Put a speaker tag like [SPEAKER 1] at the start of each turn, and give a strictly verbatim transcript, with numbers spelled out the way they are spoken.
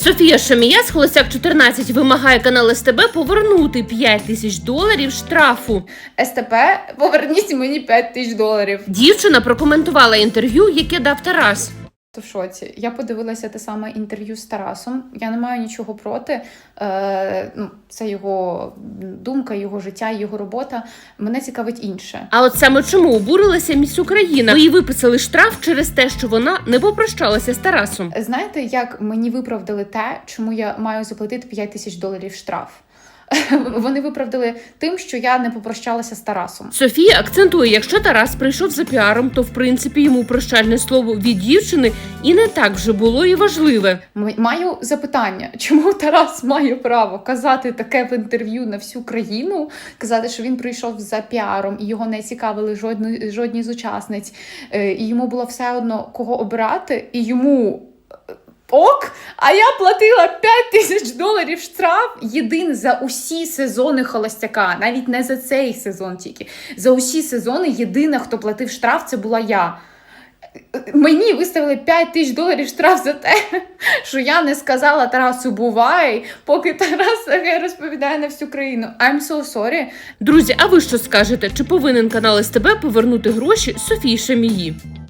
[SPEAKER 1] Софія Шамія з «Холостяк чотирнадцять» вимагає канал ес те бе повернути п'ять тисяч доларів штрафу.
[SPEAKER 2] ес те бе, поверніть мені п'ять тисяч доларів.
[SPEAKER 1] Дівчина прокоментувала інтерв'ю, яке дав Тарас.
[SPEAKER 2] То в шоці. Я подивилася те саме інтерв'ю з Тарасом. Я не маю нічого проти. Е, ну, це його думка, його життя, його робота. Мене цікавить інше.
[SPEAKER 1] А от саме чому обурилася міс Україна? Бо їй виписали штраф через те, що вона не попрощалася з Тарасом.
[SPEAKER 2] Знаєте, як мені виправдали те, чому я маю заплатити п'ять тисяч доларів штраф? Вони виправдали тим, що я не попрощалася з Тарасом.
[SPEAKER 1] Софія акцентує, якщо Тарас прийшов за піаром, то в принципі йому прощальне слово від дівчини і не так вже було і важливе.
[SPEAKER 2] Маю запитання, чому Тарас має право казати таке в інтерв'ю на всю країну, казати, що він прийшов за піаром і його не цікавили жодні, жодні з учасниць, і йому було все одно кого обирати, і йому ок, а я платила п'ять тисяч доларів штраф єдине за усі сезони «Холостяка», навіть не за цей сезон тільки. За усі сезони єдина, хто платив штраф, це була я. Мені виставили п'ять тисяч доларів штраф за те, що я не сказала Тарасу «бувай», поки Тарас таке розповідає на всю країну. I'm so sorry.
[SPEAKER 1] Друзі, а ви що скажете? Чи повинен канал ес те бе повернути гроші Софії Шамії?